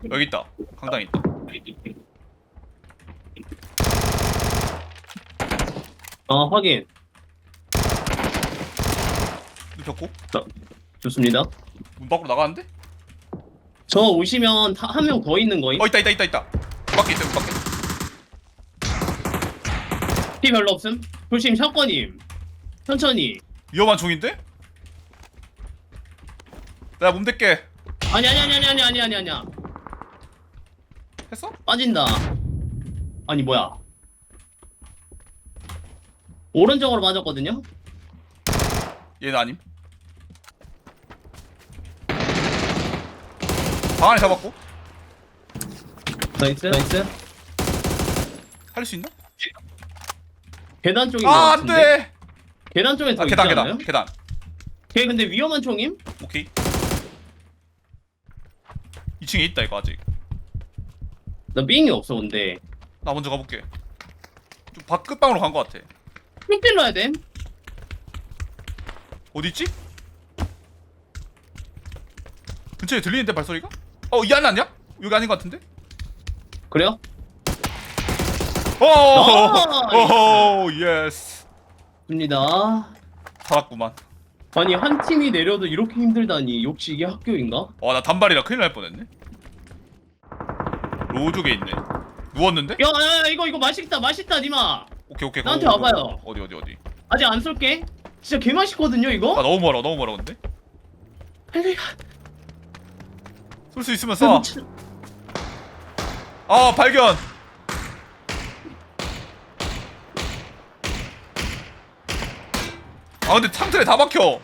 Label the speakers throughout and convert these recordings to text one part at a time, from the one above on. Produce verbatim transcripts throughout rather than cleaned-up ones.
Speaker 1: 여기 있다. 강당에 있다.
Speaker 2: 어, 확인.
Speaker 1: 눕혔고
Speaker 2: 좋습니다.
Speaker 1: 문 밖으로 나가는데?
Speaker 2: 저 오시면 한 명 더 있는 거임?
Speaker 1: 어 있다 있다 있다 있다. 문 밖에 있어 문 밖에.
Speaker 2: 피 별로 없음? 조심, 샷건임. 천천히.
Speaker 1: 위험한 총인데? 내가 몸 댈게.
Speaker 2: 아니, 아니, 아니, 아니, 아니, 아니, 아니, 아니야.
Speaker 1: 했어?
Speaker 2: 빠진다. 아니, 뭐야. 오른쪽으로 맞았거든요?
Speaker 1: 얘는 아님. 방 안에 잡았고.
Speaker 2: 나이스. 나이스.
Speaker 1: 할 수 있나?
Speaker 2: 계단 쪽인 거
Speaker 1: 아
Speaker 2: 같은데?
Speaker 1: 안돼.
Speaker 2: 계단 쪽에 더
Speaker 1: 아
Speaker 2: 있지
Speaker 1: 계단
Speaker 2: 않아요?
Speaker 1: 계단 계단.
Speaker 2: 걔 근데 위험한 총임?
Speaker 1: 오케이. 이 층에 있다 이거 아직.
Speaker 2: 나 삥이 없어 근데.
Speaker 1: 나 먼저 가볼게. 좀 밖 끝방으로 간 거 같아.
Speaker 2: 삥 찔러야 돼?
Speaker 1: 어디 있지? 근처에 들리는데 발소리가? 어 이 안에 아니야? 여기 아닌 것 같은데?
Speaker 2: 그래요?
Speaker 1: 오오오 예스.
Speaker 2: 좋습니다.
Speaker 1: 살았구만.
Speaker 2: 아니 한 팀이 내려도 이렇게 힘들다니 역시 이게 학교인가?
Speaker 1: 와 나 단발이라 큰일 날 뻔했네. 로족에 있네. 누웠는데?
Speaker 2: 야, 야, 야 이거 이거 맛있다 맛있다 니마.
Speaker 1: 오케이 오케이.
Speaker 2: 나한테
Speaker 1: 고, 고,
Speaker 2: 와봐요.
Speaker 1: 고. 어디 어디 어디.
Speaker 2: 아직 안 쏠게. 진짜 개 맛있거든요 이거?
Speaker 1: 아 너무 멀어 너무 멀어 근데.
Speaker 2: 빨리 가.
Speaker 1: 쏠 수 있으면
Speaker 2: 아이고,
Speaker 1: 쏴.
Speaker 2: 참.
Speaker 1: 아 발견. 아 근데 창틀에 다 박혀.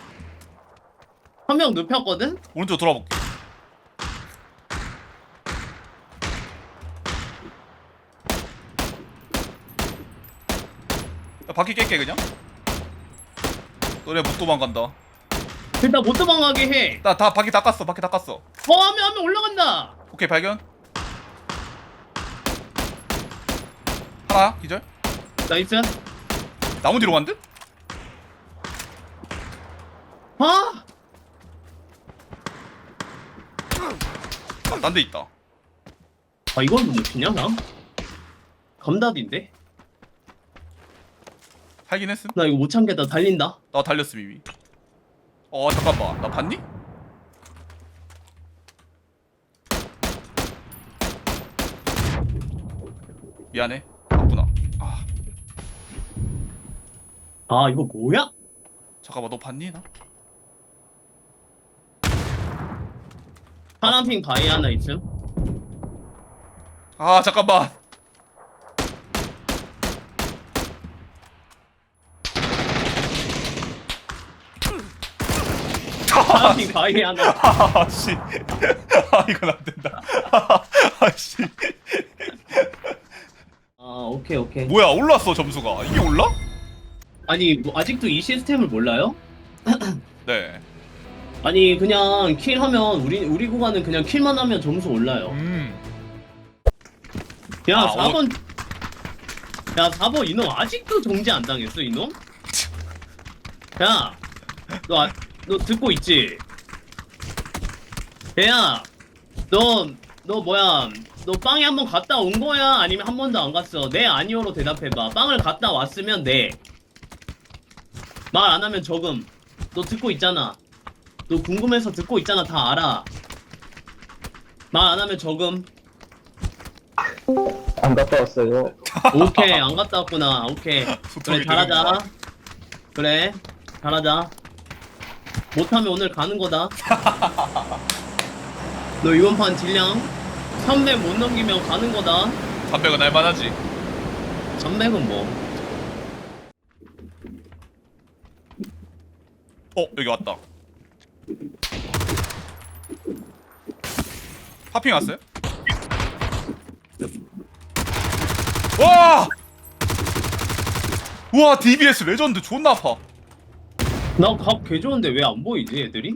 Speaker 2: 한 명 눕혔거든?
Speaker 1: 오른쪽 돌아볼게. 야, 바퀴 깰게 그냥. 너네 못 도망간다.
Speaker 2: 일단 못 도망가게 해.
Speaker 1: 나 다 바퀴 닦았어. 바퀴 닦았어.
Speaker 2: 어, 한 명 한 명 올라간다.
Speaker 1: 오케이 발견. 하나 기절.
Speaker 2: 나이스.
Speaker 1: 나무 뒤로 간 듯?
Speaker 2: 아!
Speaker 1: 아, 딴 데 있다.
Speaker 2: 아 이걸 못 피냐 나? 감답인데?
Speaker 1: 살긴 했음.
Speaker 2: 나 이거 못 참겠다 달린다.
Speaker 1: 나 달렸음 이미. 어 잠깐만. 나 봤니? 미안해. 봤구나. 아
Speaker 2: 아 이거 뭐야?
Speaker 1: 잠깐만 너 봤니 나?
Speaker 2: 파란핑 바위 하나 있음.
Speaker 1: 아 잠깐만.
Speaker 2: 파란핑 바위 하나.
Speaker 1: 아씨. 아 이건 안 된다. 아씨.
Speaker 2: 아 오케이 오케이.
Speaker 1: 뭐야 올랐어 점수가. 이게 올라?
Speaker 2: 아니 뭐 아직도 이 시스템을 몰라요?
Speaker 1: 네.
Speaker 2: 아니 그냥 킬하면 우리 우리 구간은 그냥 킬만 하면 점수 올라요.
Speaker 1: 음.
Speaker 2: 야
Speaker 1: 아,
Speaker 2: 사 번. 야 사 번 이놈 아직도 정지 안 당했어 이놈? 야, 너, 아, 너 듣고 있지? 야, 너, 너 뭐야? 너 빵에 한 번 갔다 온 거야? 아니면 한 번도 안 갔어? 네, 아니오로 대답해봐. 빵을 갔다 왔으면 네. 말 안 하면 적음. 너 듣고 있잖아. 너 궁금해서 듣고 있잖아. 다 알아. 말 안 하면 적음.
Speaker 3: 안 갔다 왔어요.
Speaker 2: 오케이, 안 갔다 왔구나. 오케이. 그래,
Speaker 1: 소통이
Speaker 2: 잘하자.
Speaker 1: 되는구나.
Speaker 2: 그래, 잘하자. 못하면 오늘 가는 거다. 너 이번 판 딜량 삼백 못 넘기면 가는 거다.
Speaker 1: 삼백은 할만하지.
Speaker 2: 삼백은 뭐.
Speaker 1: 어 여기 왔다. 파핑 왔어요? 와! 우와 디비에스 레전드 존나 아파.
Speaker 2: 나갑 개 좋은데 왜 안 보이지 애들이?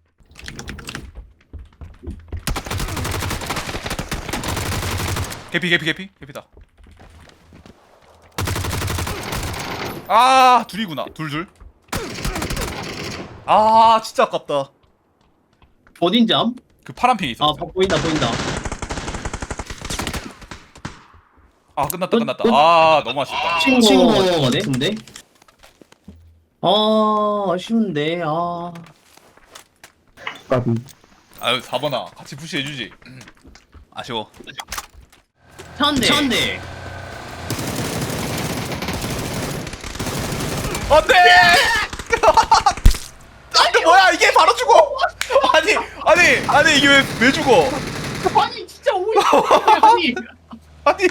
Speaker 1: 개피 개피 개피 개피다. 아 둘이구나 둘둘. 아 진짜 아깝다.
Speaker 2: 어딘지 암?
Speaker 1: 그 파란 핑이 있어.
Speaker 2: 아 보- 보인다 보인다.
Speaker 1: 아 끝났다 끝났다. 아 너무 아쉽다.
Speaker 2: 친구 거네 근데. 아 아쉬운데 아.
Speaker 3: 까비.
Speaker 1: 아유 사 번아 같이 푸시해주지. 아쉬워.
Speaker 2: 차한대. 차한대.
Speaker 1: 안돼. 아니 뭐야 이게 바로 죽어. 아니 아니 아니 이게 왜 왜 죽어?
Speaker 2: 아니 진짜 오이. 아니.
Speaker 1: 아니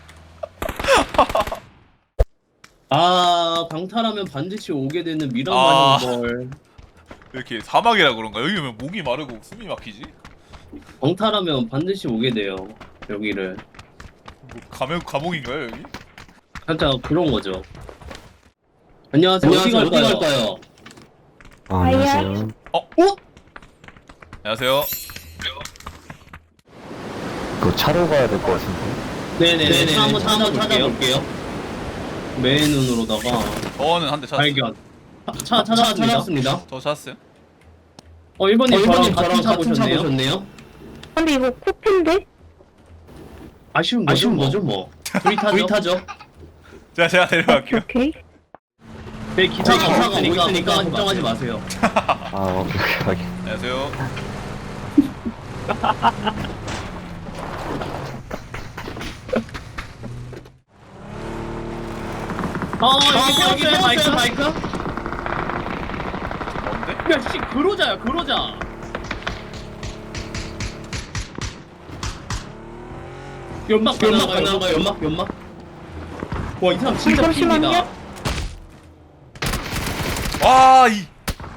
Speaker 2: 아 강탈하면 반드시 오게 되는 미란
Speaker 1: 아.
Speaker 2: 마냥 걸.
Speaker 1: 이렇게 사막이라 그런가? 여기 왜 목이 마르고 숨이 막히지?
Speaker 2: 강탈하면 반드시 오게 돼요 여기를.
Speaker 1: 뭐 감옥 감옥인가요 여기?
Speaker 2: 살짝 그런 거죠. 안녕하세요.
Speaker 4: 안녕하세요.
Speaker 2: 어디 갈까요? 갈까요?
Speaker 3: 아, 안녕하세요.
Speaker 1: 어?
Speaker 2: 어?
Speaker 1: 안녕하세요.
Speaker 3: 그 차로 가야 될 것 같은데.
Speaker 2: 네네네. 차 한번 한번 찾아볼게요. 맨 눈으로다가
Speaker 1: 저는 한 대 찾았어요.
Speaker 2: 발견. 차, 차 찾았습니다. 찾았습니다.
Speaker 1: 저 찾았어요?
Speaker 2: 어 일 번님
Speaker 4: 어,
Speaker 2: 저랑
Speaker 4: 일본님
Speaker 2: 같은 차
Speaker 4: 저랑 같은 차
Speaker 2: 보셨네요.
Speaker 4: 보셨네요?
Speaker 5: 근데 이거 코피인데?
Speaker 2: 아쉬운 거죠,
Speaker 4: 아쉬운
Speaker 2: 뭐.
Speaker 4: 거죠, 뭐.
Speaker 2: 둘이 타죠.
Speaker 4: 둘이 타죠.
Speaker 1: 제가 제가 데려갈게요.
Speaker 5: 오케이.
Speaker 2: 네, 기차가
Speaker 4: 기차가
Speaker 2: 오고 있으니까
Speaker 4: 오고 있으니까
Speaker 2: 걱정하지 마세요.
Speaker 3: 아, 오케이, 오케이.
Speaker 1: 안녕하세요.
Speaker 2: 어, 여기 세웠어요, 마이크. 마이크.
Speaker 1: 뭔데?
Speaker 2: 야, 씨, 그로자야, 그로자. 연막
Speaker 4: 연막
Speaker 2: 가능한가요?
Speaker 4: 가능한가요? 연막, 연막.
Speaker 2: 와, 이 사람 진짜
Speaker 5: 잠시만요.
Speaker 2: 핍니다.
Speaker 1: 와 이.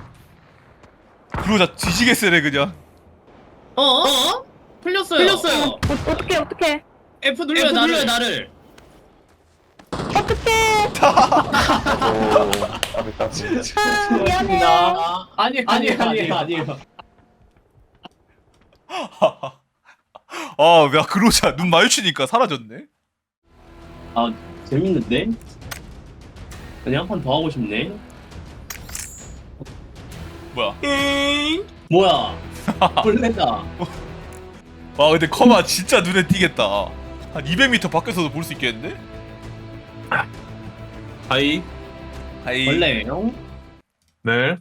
Speaker 1: 그러자 뒤지게 세네 그냥.
Speaker 2: 어? 어? 풀렸어요. 풀렸어요.
Speaker 5: 어, 어떡해, 어떡해.
Speaker 2: F 눌러요,
Speaker 4: F
Speaker 2: 나를.
Speaker 4: 눌러요, 나를.
Speaker 5: 어떡해.
Speaker 3: 오, 까비, 까비.
Speaker 5: 아, 미안해.
Speaker 2: 아, 아니, 아니,
Speaker 4: 아니,
Speaker 2: 아니,
Speaker 4: 아니,
Speaker 2: 아니에요.
Speaker 1: 아, 야 그러자 눈 마주치니까 사라졌네.
Speaker 2: 아, 재밌는데? 그냥 한 판 더 하고 싶네.
Speaker 1: 뭐야?
Speaker 2: 뭐야? 벌레다.
Speaker 1: 와 근데 커마 진짜 눈에 띄겠다. 한 이백 미터 밖에서도 볼 수 있겠는데?
Speaker 6: 하이.
Speaker 1: 아이.
Speaker 2: 벌레예요?
Speaker 6: 네.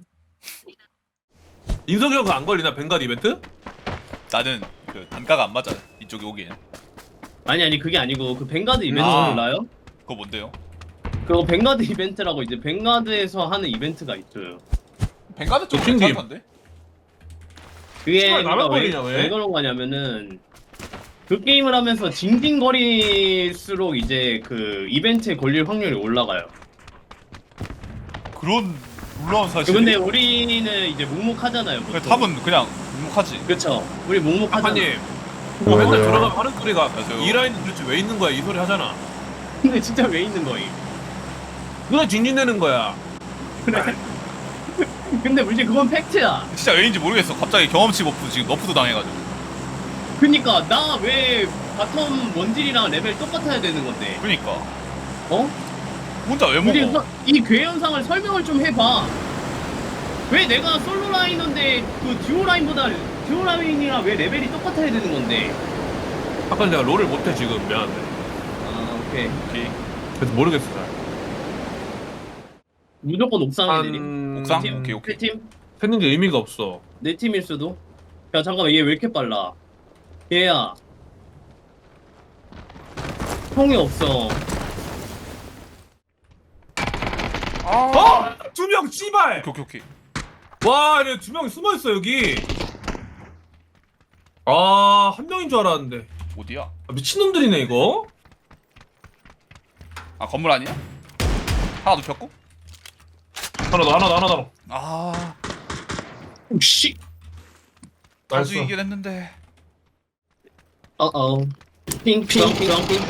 Speaker 6: 인석이 형 그거 안 걸리나 벵가드 이벤트?
Speaker 1: 나는 그 단가가 안 맞아 이쪽에 오기엔.
Speaker 2: 아니 아니 그게 아니고 그 벵가드 이벤트
Speaker 1: 아.
Speaker 2: 몰라요?
Speaker 1: 그거 뭔데요?
Speaker 2: 그거 벵가드 이벤트라고 이제 벵가드에서 하는 이벤트가 있어요.
Speaker 1: 벵가드 쪽
Speaker 6: 도킹
Speaker 1: 괜찮던데?
Speaker 2: 그게
Speaker 6: 정말
Speaker 2: 그러니까
Speaker 6: 나만
Speaker 2: 왜,
Speaker 6: 걸리냐, 왜?
Speaker 2: 왜 그런 거냐면은 그 게임을 하면서 징징거릴수록 이제 그 이벤트에 걸릴 확률이 올라가요.
Speaker 1: 그런 놀라운 사실.
Speaker 2: 근데 우리는 이제 묵묵하잖아요.
Speaker 1: 그냥
Speaker 2: 보통.
Speaker 1: 탑은 그냥 묵묵하지.
Speaker 2: 그쵸. 우리 묵묵하잖아.
Speaker 6: 아빠님
Speaker 3: 뭐야,
Speaker 6: 맨날
Speaker 3: 뭐야.
Speaker 6: 들어가면 하는 소리가
Speaker 1: 안녕하세요.
Speaker 6: 이 라인은 도대체 왜 있는 거야 이 소리 하잖아.
Speaker 2: 근데 진짜 왜 있는 거임?
Speaker 6: 누가 징징대는 거야.
Speaker 2: 그래. 근데 우리 그건 팩트야.
Speaker 1: 진짜 왜인지 모르겠어. 갑자기 경험치 버프 지금 너프도 당해가지고.
Speaker 2: 그니까 나 왜 바텀 원딜이랑 레벨 똑같아야 되는 건데?
Speaker 1: 그니까
Speaker 2: 어?
Speaker 1: 혼자 왜
Speaker 2: 우리
Speaker 1: 먹어?
Speaker 2: 서- 이 괴현상을 설명을 좀 해봐. 왜 내가 솔로 라이너인데 그 듀오 라인보다 듀오 라인이랑 왜 레벨이 똑같아야 되는 건데?
Speaker 6: 아까 내가 롤을 못해 지금 미안한데.
Speaker 2: 아 오케이.
Speaker 1: 오케이.
Speaker 6: 그래서 모르겠어 잘.
Speaker 2: 무조건 옥상에 내림.
Speaker 6: 한
Speaker 1: 옥상?
Speaker 2: 팀?
Speaker 1: 오케이, 오케이.
Speaker 2: 내 팀?
Speaker 6: 했는 게 의미가 없어.
Speaker 2: 내 팀일 수도. 야 잠깐만 얘 왜 이렇게 빨라? 얘야. 총이 없어.
Speaker 6: 어? 두 명 씨발.
Speaker 1: 오케이 오케이 오케이.
Speaker 6: 와, 얘네 두 명이 숨어 있어 여기. 아, 한 명인 줄 알았는데.
Speaker 1: 어디야?
Speaker 6: 아, 미친놈들이네 이거.
Speaker 1: 아 건물 아니야? 하나 눕혔고?
Speaker 6: 하나 더, 하나 더, 하나 더.
Speaker 1: 아
Speaker 2: 씨.
Speaker 1: 다수
Speaker 6: 나이스.
Speaker 1: 이긴 했는데.
Speaker 2: 어어. 핑, 핑, 핑, 핑.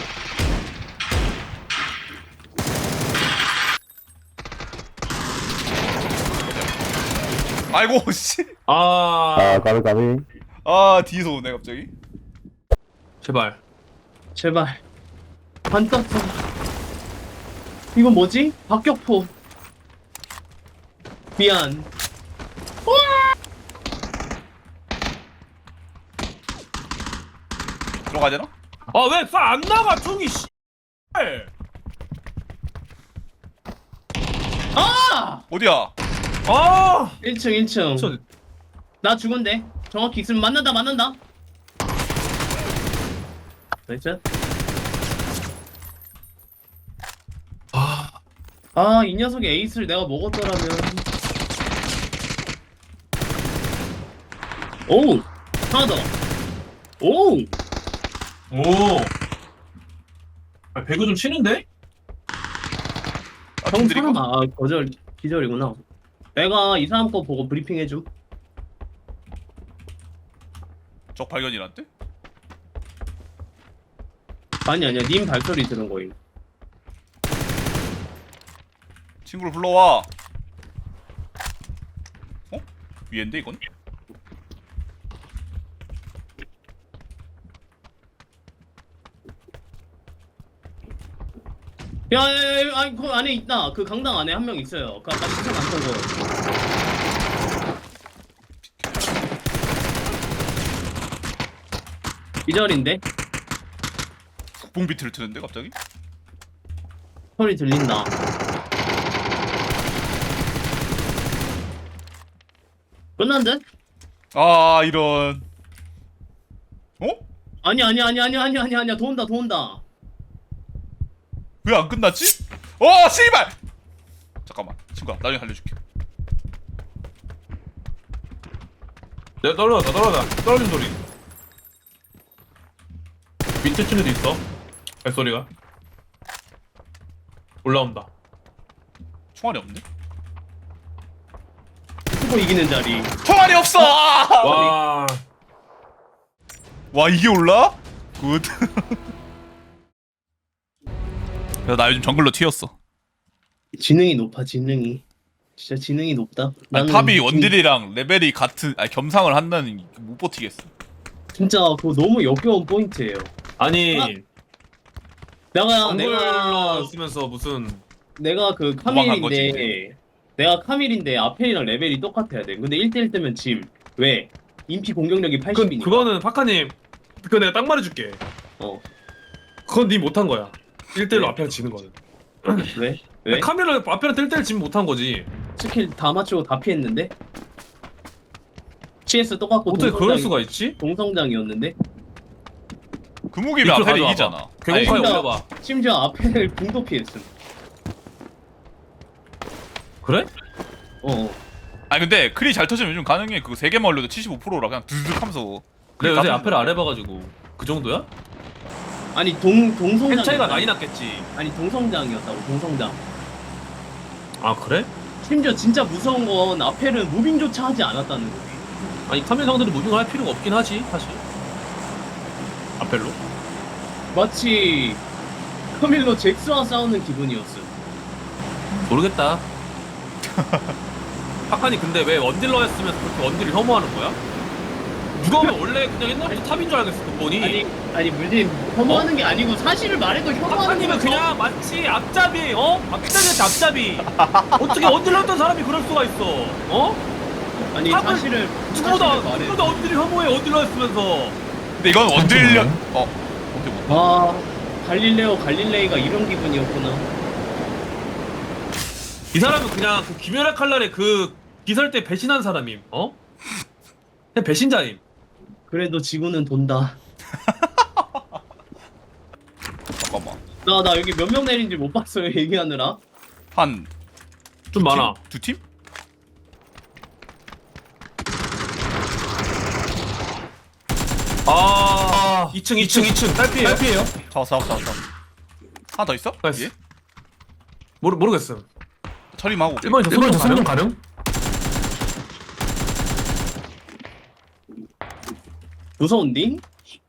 Speaker 1: 아이고 씨.
Speaker 6: 아,
Speaker 3: 아, 까비, 까비.
Speaker 1: 아 뒤에서 오네 갑자기.
Speaker 6: 제발.
Speaker 2: 제발. 안 떴어. 이건 뭐지? 박격포. 미안.
Speaker 1: 들어가야 되나?
Speaker 6: 아, 왜 쏴 안 나가 총이 씨.
Speaker 2: 아!
Speaker 1: 어디야?
Speaker 6: 아!
Speaker 2: 일 층 일 층.
Speaker 6: 저
Speaker 2: 나 죽은데. 정확히 있으면 만난다 만난다. 나이스.
Speaker 6: 아,
Speaker 2: 아, 이 녀석이 에이스를 내가 먹었더라면. 오우! 하나 더! 오우!
Speaker 6: 오. 아, 배구 좀 치는데?
Speaker 1: 아,
Speaker 2: 형
Speaker 1: 팀들이
Speaker 2: 사람, 아, 거절, 기절이구나. 내가 이 사람 거 보고 브리핑 해줌.
Speaker 1: 적 발견이란데?
Speaker 2: 아니, 아니야. 님 발소리 들은 거임.
Speaker 1: 친구를 불러와. 어? 위엔데 이건?
Speaker 2: 야, 야, 야, 야, 아니, 그 안에 있다. 그 강당 안에 한 명 있어요. 그 아까 시선 안 쏘고. 기절인데?
Speaker 1: 국뽕 비트를 트는데 갑자기?
Speaker 2: 소리 들린다. 끝난 듯?
Speaker 1: 아 이런. 어?
Speaker 2: 아니, 아니, 아니, 아니, 아니, 아니, 아니야. 도운다, 도운다.
Speaker 1: 왜 안 끝났지? 어 씨발! 잠깐만 친구야 나중에 알려줄게.
Speaker 6: 내가 떨어졌다, 떨어졌다. 떨어진 소리. 밑에 층에도 있어. 발소리가. 올라온다.
Speaker 1: 총알이 없네?
Speaker 2: 스포 이기는 자리.
Speaker 1: 총알이 없어! 아!
Speaker 6: 와.
Speaker 1: 와 이게 올라? 굿. 야, 나 요즘 정글로 튀었어.
Speaker 2: 지능이 높아, 지능이. 진짜 지능이 높다.
Speaker 1: 아니,
Speaker 2: 나는
Speaker 1: 탑이
Speaker 2: 지금
Speaker 1: 원딜이랑 레벨이 같은 아니 겸상을 한다는 못 버티겠어.
Speaker 2: 진짜 그거 너무 역겨운 포인트예요.
Speaker 6: 아니,
Speaker 2: 아, 내가
Speaker 6: 정글로
Speaker 2: 내가
Speaker 6: 쓰면서 무슨
Speaker 2: 내가 그
Speaker 1: 도망간
Speaker 2: 카밀인데 내가 카밀인데 아펠이랑 레벨이 똑같아야 돼. 근데 일 대일 뜨면 짐. 왜? 인피 공격력이
Speaker 6: 그,
Speaker 2: 팔십이니까.
Speaker 6: 그거는 파카님, 그거 내가 딱 말해줄게.
Speaker 2: 어.
Speaker 6: 그건 니 못한 거야. 일 대일로
Speaker 2: 네.
Speaker 6: 앞에랑 지는 거는.
Speaker 2: 왜? 왜?
Speaker 6: 카메라 앞에랑 일 대일 지면 못한 거지.
Speaker 2: 스킬 다 맞추고 다 피했는데? 씨에스 똑같고
Speaker 6: 어떻게 그럴
Speaker 2: 동성장이-
Speaker 6: 수가 있지?
Speaker 2: 동성장이었는데?
Speaker 1: 그 무기면
Speaker 6: 밑으로
Speaker 1: 아펠이
Speaker 6: 가져와봐.
Speaker 1: 이기잖아.
Speaker 6: 개공파에
Speaker 2: 아니,
Speaker 6: 올려봐.
Speaker 2: 심지어 아펠을 궁도 피했음.
Speaker 6: 그래?
Speaker 2: 어.
Speaker 1: 아니 근데 크리 잘 터지면 요즘 가능해. 그거 세 개만 올려도 칠십오 퍼센트라 그냥 드득 하면서.
Speaker 6: 내가 요새
Speaker 1: 다
Speaker 6: 앞에를 안 해봐가지고 그 정도야?
Speaker 2: 아니 동 동성장.
Speaker 6: 펜 차이가 많이 났겠지.
Speaker 2: 아니 동성장이었다고 동성장.
Speaker 6: 아 그래?
Speaker 2: 심지어 진짜 무서운 건 아펠은 무빙조차 하지 않았다는 거지.
Speaker 6: 아니 카메라 상들은 무빙을 할 필요가 없긴 하지 사실. 앞펠로?
Speaker 2: 마치 카밀로 잭스와 싸우는 기분이었음.
Speaker 6: 모르겠다. 파칸이 근데 왜 원딜러 했으면 그렇게 원딜을 혐오하는 거야? 누가 보면 원래 그냥 옛날부터 탑인 줄 알겠어 근본이.
Speaker 2: 아니 아니 물론 혐오하는 게 아니고 사실을 말해도 혐오하는
Speaker 6: 파칸님은
Speaker 2: 거죠.
Speaker 6: 그냥 마치 앞잡이 어? 앞잡이한테 앞잡이. 어떻게 원딜러 했던 사람이 그럴 수가 있어? 어?
Speaker 2: 아니
Speaker 6: 탑을-
Speaker 2: 사실을
Speaker 6: 누구보다
Speaker 2: 사실을 말해.
Speaker 6: 누구보다 원딜을 혐오해 원딜러 했으면서.
Speaker 1: 근데 이건 원딜력. 어. 오케이 못.
Speaker 2: 아 갈릴레오 갈릴레이가 이런 기분이었구나.
Speaker 6: 이 사람은 그냥 그 김연아 칼날의 그 기설 때 배신한 사람임. 어? 그냥 배신자임.
Speaker 2: 그래도 지구는 돈다.
Speaker 1: 잠깐만.
Speaker 2: 나 나 여기 몇 명 내린지 못 봤어요 얘기하느라.
Speaker 1: 한
Speaker 6: 좀 많아.
Speaker 1: 팀? 두 팀?
Speaker 6: 아, 이 층, 이 층, 이 층. 딸피예요? 딸피예요?
Speaker 1: 잡았어 잡았어 잡았어. 하나 더 있어?
Speaker 6: 나이스.
Speaker 1: 예?
Speaker 6: 모르 모르겠음.
Speaker 1: 처리하고.
Speaker 6: 일 번이 저 손좀 가능? 가능?
Speaker 2: 무서운디?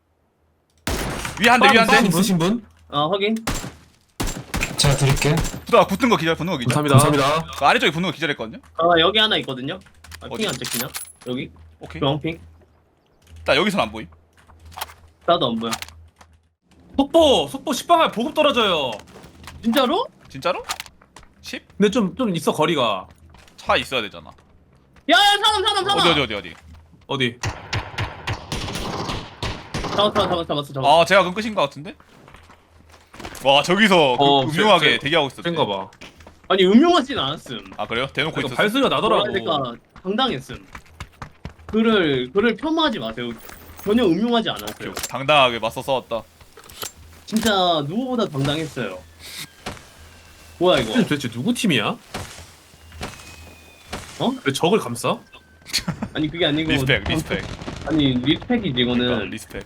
Speaker 1: 위한대 위한대.
Speaker 6: 있으신 분?
Speaker 2: 아 확인.
Speaker 4: 제가 드릴게.
Speaker 1: 붙어 붙는 거 기절 붙는 거 기절.
Speaker 6: 감사합니다.
Speaker 1: 그 아래쪽에 붙는 거 기절했거든요.
Speaker 2: 아 여기 하나 있거든요. 아,
Speaker 1: 어디?
Speaker 2: 핑안 찍히냐? 여기
Speaker 1: 오케이.
Speaker 2: 주황핑.
Speaker 1: 나 여기선 안 보임.
Speaker 2: 나도 안 보여.
Speaker 6: 속보, 속보 십 방울 보급 떨어져요.
Speaker 2: 진짜로?
Speaker 1: 진짜로? 십?
Speaker 6: 근데 좀, 좀 있어, 거리가.
Speaker 1: 차 있어야 되잖아.
Speaker 2: 야야 사람 사람 사람.
Speaker 1: 어디 어디 어디 어디.
Speaker 6: 어디?
Speaker 2: 잡았어 잡았어 잡았어 잡았어.
Speaker 1: 아 제가 그 끝인 것 같은데? 와 저기서 그
Speaker 6: 어,
Speaker 1: 음흉하게
Speaker 6: 쟤- 쟤-
Speaker 1: 대기하고 있었대.
Speaker 6: 센가 봐.
Speaker 2: 아니 음흉하진 않았음.
Speaker 1: 아 그래요? 대놓고
Speaker 6: 그러니까
Speaker 1: 있었어.
Speaker 6: 발소리가 나더라고.
Speaker 2: 그러니까 당당했음. 그를 그를 폄하하지 마세요. 전혀 음흉하지 않았어요.
Speaker 1: 당당하게 맞서 싸웠다.
Speaker 2: 진짜 누구보다 당당했어요. 뭐야 이거?
Speaker 6: 도대체 누구 팀이야?
Speaker 2: 어?
Speaker 6: 왜 적을 감싸?
Speaker 2: 아니 그게 아니고
Speaker 1: 리스펙 리스펙.
Speaker 2: 아니 리스펙이지
Speaker 1: 그러니까,
Speaker 2: 이거는.
Speaker 1: 리스펙.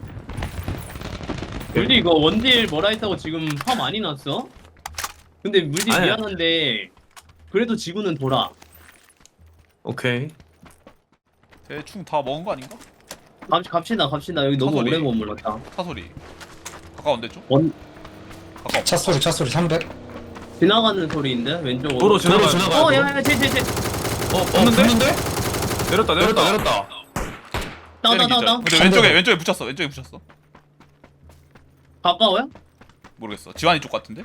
Speaker 2: 물디 이거 원딜 뭐라 했다고 지금 화 많이 났어? 근데 물디
Speaker 6: 아니야.
Speaker 2: 미안한데 그래도 지구는 돌아.
Speaker 6: 오케이.
Speaker 1: 대충 다 먹은 거 아닌가?
Speaker 2: 갑, 갑시다 갑시다. 여기 너무
Speaker 1: 사소리.
Speaker 2: 오래 머물렀다.
Speaker 1: 차소리. 가까운데 좀?
Speaker 2: 원
Speaker 1: 가까워.
Speaker 4: 차 소리 차 소리 삼백.
Speaker 2: 지나가는 소리인데 왼쪽으로.
Speaker 6: 도로 지나가.
Speaker 4: 도로 지나가.
Speaker 2: 어 야야야 쟤쟤쟤
Speaker 6: 어,
Speaker 4: 어
Speaker 6: 없는데?
Speaker 4: 붙는데?
Speaker 6: 내렸다, 내렸다, 내렸다.
Speaker 1: 때리기
Speaker 2: 따다다다.
Speaker 1: 전. 근데 왼쪽에 왼쪽에 붙였어. 왼쪽에 붙였어.
Speaker 2: 가까워요?
Speaker 1: 모르겠어. 지환이 쪽 같은데?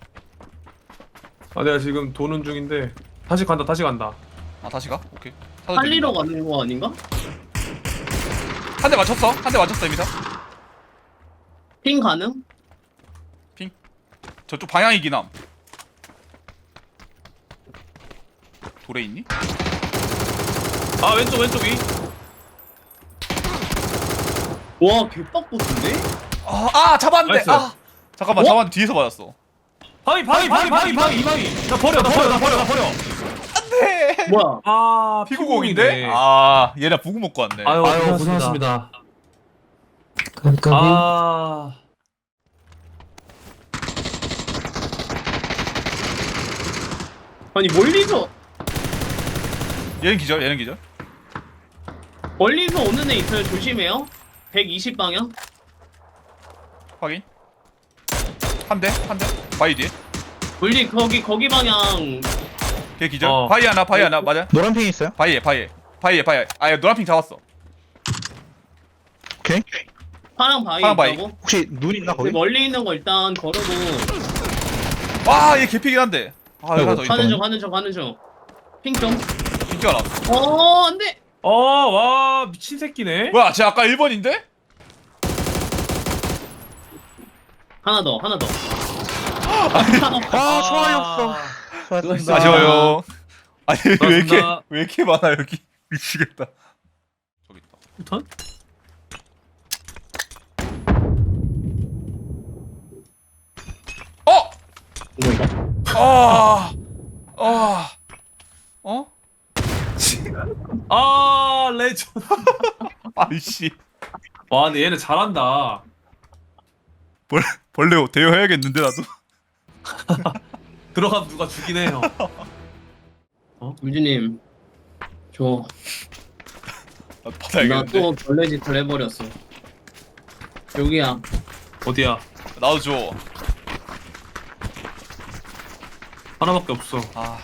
Speaker 6: 아, 내가 지금 도는 중인데 다시 간다, 다시 간다.
Speaker 1: 아 다시 가? 오케이. 차도
Speaker 2: 살리러
Speaker 1: 들린다.
Speaker 2: 가는 거 아닌가?
Speaker 1: 한 대 맞췄어. 한 대 맞췄어 이미사.
Speaker 2: 핑 가능?
Speaker 1: 저쪽 방향이긴 함. 돌에 있니?
Speaker 6: 아, 왼쪽, 왼쪽 위.
Speaker 2: 와 개빡보스인데?
Speaker 1: 아, 아 잡았는데.
Speaker 6: 나이스.
Speaker 1: 아 잠깐만
Speaker 2: 어?
Speaker 1: 잡았는데 뒤에서 맞았어.
Speaker 6: 바위, 바위, 바위, 바위, 바위, 바위. 나 버려, 나 버려, 나 버려, 나 버려.
Speaker 1: 안돼.
Speaker 2: 뭐야?
Speaker 6: 아,
Speaker 1: 피구공인데? 아 얘네 부구 먹고 왔네.
Speaker 6: 아유,
Speaker 4: 아유
Speaker 6: 고생하셨습니다.
Speaker 4: 고생하셨습니다. 깜깜이.
Speaker 6: 아,
Speaker 2: 아니 멀리서
Speaker 1: 얘는 기절. 얘는 기절.
Speaker 2: 멀리서 오는 애 있어요. 조심해요. 백이십 방향.
Speaker 1: 확인. 한 대, 한 대. 바위 뒤에.
Speaker 2: 물리 거기 거기 방향.
Speaker 1: 걔 기절.
Speaker 6: 어.
Speaker 1: 바위 하나, 바위 하나 맞아.
Speaker 7: 노란 핑 있어요?
Speaker 1: 바위에, 바위에, 바위에, 바위. 아, 얘 노란핑 잡았어.
Speaker 7: 오케이.
Speaker 2: 파랑 바위
Speaker 1: 파랑 바위.
Speaker 2: 있다고?
Speaker 7: 혹시 눈 있나
Speaker 2: 근데
Speaker 7: 거기?
Speaker 2: 멀리 있는 거 일단 걸어도
Speaker 1: 와, 얘 개피긴 한데. 아, 여기 하나 더 있다.
Speaker 2: 가는 중 가는 중 가는 중. 핑 좀.
Speaker 1: 핑키가 나왔어.
Speaker 2: 어 안돼.
Speaker 6: 어, 와, 미친 새끼네.
Speaker 1: 뭐야, 쟤 아까 일 번인데?
Speaker 2: 하나 더 하나 더.
Speaker 7: 아 총알이 없어. 수고하셨습니다.
Speaker 1: 아쉬워요. 아니, 왜 이렇게,
Speaker 6: 고맙습니다.
Speaker 1: 왜 이렇게 많아, 여기. 미치겠다. 저기 있다.
Speaker 6: 우탄?
Speaker 1: 어!
Speaker 2: 이거
Speaker 1: 아! 아! 어?
Speaker 6: 아, 레전드.
Speaker 1: 아이씨.
Speaker 6: 와, 근데 얘네 잘한다.
Speaker 1: 벌, 벌레 대여해야겠는데, 나도.
Speaker 6: 들어가면 누가 죽긴 해요.
Speaker 2: 물주님. 저
Speaker 1: 나도
Speaker 2: 나
Speaker 1: 받아야겠는데.
Speaker 2: 또 벌레 짓을 해버렸어. 여기야.
Speaker 6: 어디야?
Speaker 1: 나도 줘.
Speaker 6: 하나밖에 없어.
Speaker 1: 아,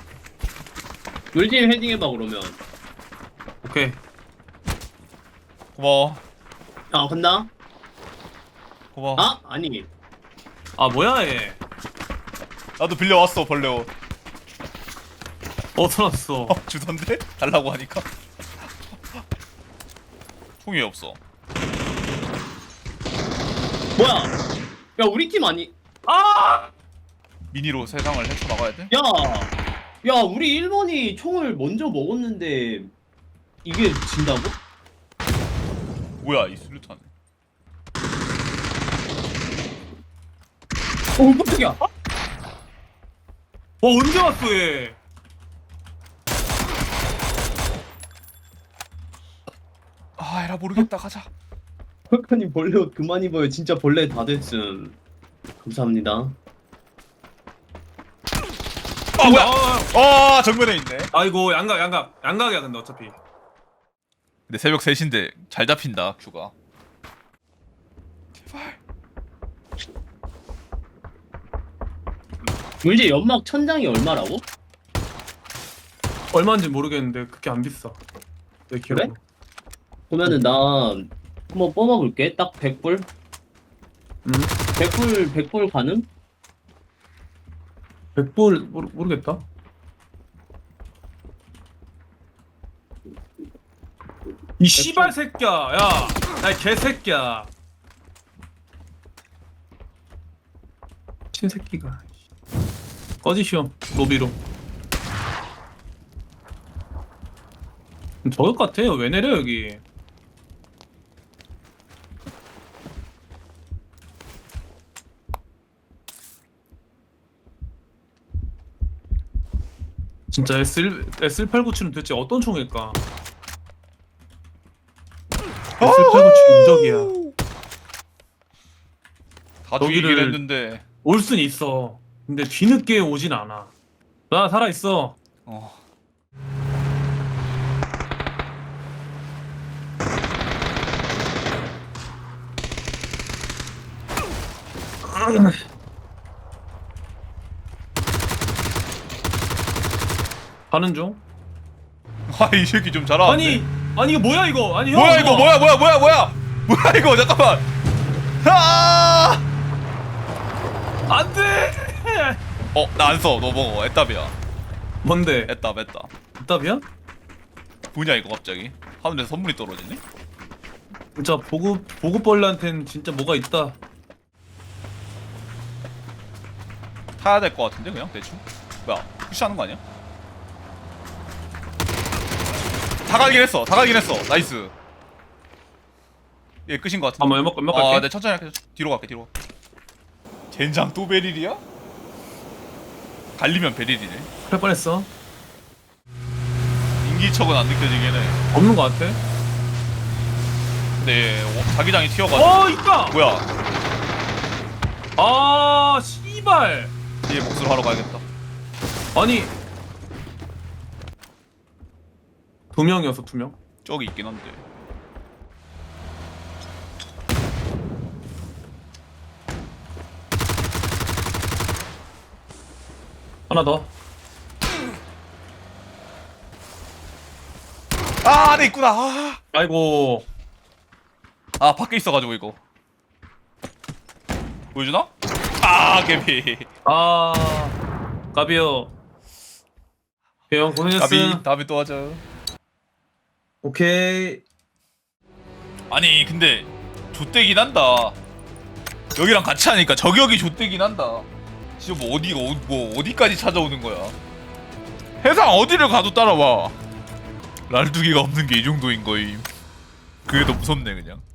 Speaker 2: 물주님 헤딩 해봐 그러면.
Speaker 6: 오케이.
Speaker 1: 고마워.
Speaker 2: 아 간다.
Speaker 1: 고마워.
Speaker 2: 아 아니.
Speaker 6: 아, 뭐야 얘?
Speaker 1: 나도 빌려왔어, 벌레 옷.
Speaker 6: 어디서 났어?
Speaker 1: 어, 주던데? 달라고 하니까. 총이 없어.
Speaker 2: 뭐야? 야 우리 팀 아니?
Speaker 6: 아!
Speaker 1: 미니로 세상을 헤쳐나가야 돼?
Speaker 2: 야, 야 우리 일 번이 총을 먼저 먹었는데 이게 진다고?
Speaker 1: 뭐야, 이 수류탄.
Speaker 2: 어 깜짝이야.
Speaker 6: 와, 언제 왔어 얘?
Speaker 1: 아, 에라 모르겠다. 가자.
Speaker 2: 헐카님 벌레 옷 그만 입어요. 진짜 벌레 다 됐음. 감사합니다.
Speaker 1: 아, 뭐야?
Speaker 6: 아,
Speaker 1: 아, 정면에 있네.
Speaker 6: 아이고, 양각, 양각, 양각이야 근데 어차피.
Speaker 1: 근데 새벽 세 시인데 잘 잡힌다, 큐가. 제발.
Speaker 2: 물지 연막 천장이 얼마라고?
Speaker 6: 얼마인지 모르겠는데 그렇게 안 비싸. 내 기억으로.
Speaker 2: 그래? 그러면은 나 한번 뽑아볼게. 딱 백 불.
Speaker 6: 음.
Speaker 2: 백 불 백 불 가능?
Speaker 6: 백 불 모르, 모르겠다. 이 씨발 새끼야, 야, 야 개새끼야. 미친 새끼가. 꺼지시오 로비로. 저것 같아요. 왜 내려 여기? 진짜 에스 에스 팔구칠은 대체 어떤 총일까? 에스 팔구칠 인적이야.
Speaker 1: 다 죽이긴
Speaker 6: 여기를-
Speaker 1: 했는데.
Speaker 6: 올 순 있어. 근데 뒤늦게 오진 않아. 나 살아 있어.
Speaker 1: 어.
Speaker 6: 가는 중.
Speaker 1: 아이 새끼 좀 잘하는데.
Speaker 6: 아니 아니 이거 뭐야 이거? 아니 형.
Speaker 1: 뭐야 이거 뭐야 뭐야 뭐야 뭐야 뭐야 이거 잠깐만. 아!
Speaker 6: 안돼.
Speaker 1: 어, 나 안 써. 너 먹어. 애답이야.
Speaker 6: 뭔데?
Speaker 1: 애답, 애답.
Speaker 6: 답이야?
Speaker 1: 뭐냐 이거 갑자기? 하늘에서 선물이 떨어지네?
Speaker 6: 진짜 보급 보급벌레한텐 진짜 뭐가 있다.
Speaker 1: 타야 될 것 같은데 그냥 대충? 뭐야? 푸시하는 거 아니야? 다 가긴 했어. 다 가긴 했어. 나이스. 얘 끝인 것 같은데.
Speaker 6: 한번 연막 연막 갈게.
Speaker 1: 아, 네 천천히 할게. 뒤로 갈게. 뒤로. 젠장 또 베릴이야? 갈리면 베릴이네.
Speaker 6: 그럴 뻔했어.
Speaker 1: 인기척은 안 느껴지긴 해.
Speaker 6: 없는 거 같아.
Speaker 1: 근데 얘 어, 자기장이 튀어가지고.
Speaker 6: 어 있다.
Speaker 1: 뭐야?
Speaker 6: 아 씨발.
Speaker 1: 얘 몫을 하러 가야겠다.
Speaker 6: 아니 두 명이었어 두 명.
Speaker 1: 저기 있긴 한데.
Speaker 6: 하나 더.
Speaker 1: 아, 안에 있구나. 아,
Speaker 6: 아이고.
Speaker 1: 아 밖에 있어가지고 이거. 보여주나? 아, 개비.
Speaker 6: 아 까비요. 형 고생했어.
Speaker 1: 가비 다음에 또 하자.
Speaker 6: 오케이.
Speaker 1: 아니 근데 좆대긴 한다. 여기랑 같이 하니까 저격이 좆대긴 한다. 진짜 뭐 어디가 어, 뭐 어디까지 찾아오는 거야? 해상 어디를 가도 따라와. 랄두기가 없는 게 이 정도인 거임. 그게 더 무섭네 그냥.